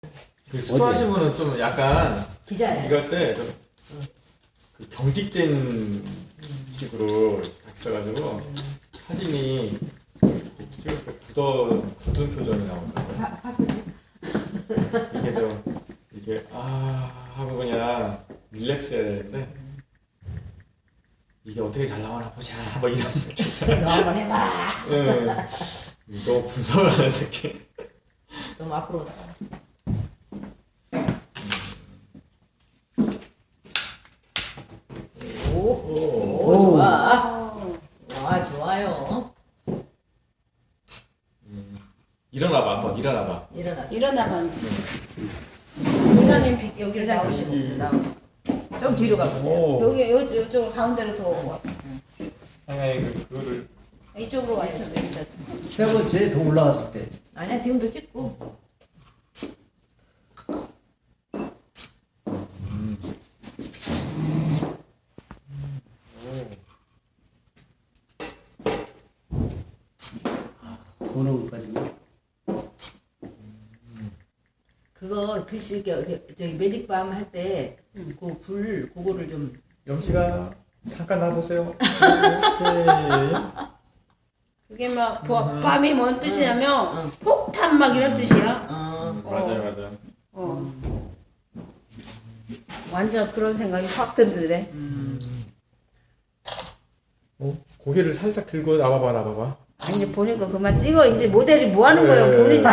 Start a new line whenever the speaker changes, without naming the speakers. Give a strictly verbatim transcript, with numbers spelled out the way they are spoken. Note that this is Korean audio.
그 수도하신 분은 좀 약간
기자야.
이거 때좀 그 경직된 식으로 딱 써가지고 사진이 찍었을 때 굳어 굳은 표정이 나오더라고요.
파, 파스.
이게 좀 이게 아 하고 그냥 릴렉스 해야 되는데 이게 어떻게 잘 나오나 보자 뭐 이런 느낌이잖아요.
너 한번 해봐라.
응. 너무 분석하는 느낌.
너무 앞으로 나가. 오, 오, 오, 좋아. 와, 좋아요.
음. 일어나봐 한번 일어나봐.
일어났어.
일어나봐 이제. 의사님 비- 여기로 나오시고
나오시고. 좀 뒤로 가보세요.
오.
여기 요, 요쪽 가운데로 더 와.
아니 아니 그, 그거를
이쪽으로 와요. 이쪽.
세 번째 더 올라갔을 때.
아니야, 지금도 찍고.
도는 것까지.
그거 글씨, 그, 저기 매직밤 할 때, 그 불, 그거를 좀.
영씨가 잠깐 나와보세요. 오케이.
그게 막 보- 밤이 뭔 뜻이냐면
응.
폭탄 막 이런 뜻이야.
어,
맞아요 맞아요.
어. 완전 그런 생각이 확 들더래.
어? 고개를 살짝 들고 나와봐 나와봐.
아니 보니까 그만 찍어. 이제 모델이 뭐 하는
네.
거예요? 본인이